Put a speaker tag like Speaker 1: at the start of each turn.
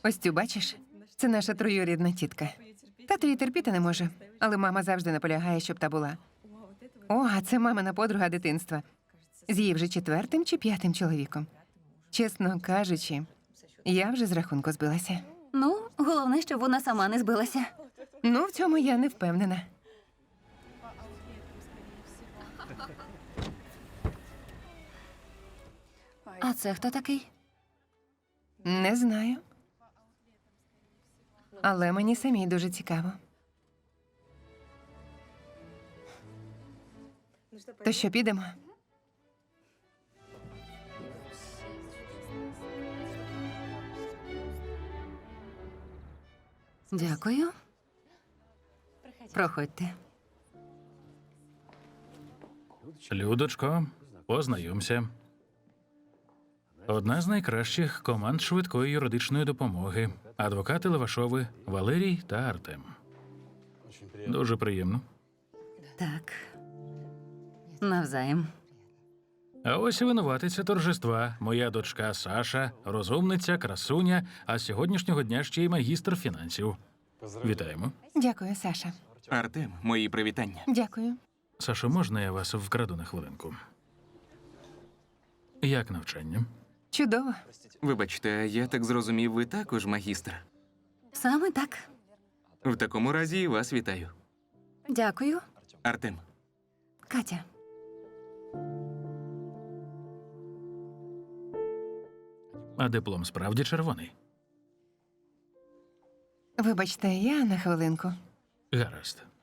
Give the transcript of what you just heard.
Speaker 1: Ось цю бачиш? Це наша троюрідна тітка. Тато її терпіти не може, але мама завжди наполягає, щоб та була. О, а це мамина подруга дитинства. З її вже 4-м чи 5-м чоловіком. Чесно кажучи, я вже з рахунку збилася.
Speaker 2: Ну, головне, щоб вона сама не збилася.
Speaker 1: Ну, в цьому я не впевнена.
Speaker 2: А це хто такий?
Speaker 1: Не знаю. Але мені самій дуже цікаво. То що, підемо?
Speaker 2: Дякую. Проходьте.
Speaker 3: Людочко, познайомся. Одна з найкращих команд швидкої юридичної допомоги. Адвокати Левашови Валерій та Артем. Дуже приємно.
Speaker 2: Так. Навзаєм.
Speaker 3: А ось і винуватиця торжества. Моя дочка Саша, розумниця, красуня, а з сьогоднішнього дня ще й магістр фінансів. Вітаємо.
Speaker 1: Дякую, Саша.
Speaker 4: Артем, мої привітання.
Speaker 1: Дякую.
Speaker 3: Сашо, можна я вас вкраду на хвилинку? Як навчання?
Speaker 1: Чудово.
Speaker 4: Вибачте, я так зрозумів, ви також магістр.
Speaker 2: Саме так.
Speaker 4: В такому разі і вас вітаю.
Speaker 2: Дякую.
Speaker 4: Артем,
Speaker 2: Катя.
Speaker 3: А диплом справді червоний?
Speaker 1: Вибачте, я на хвилинку.
Speaker 3: Гаразд.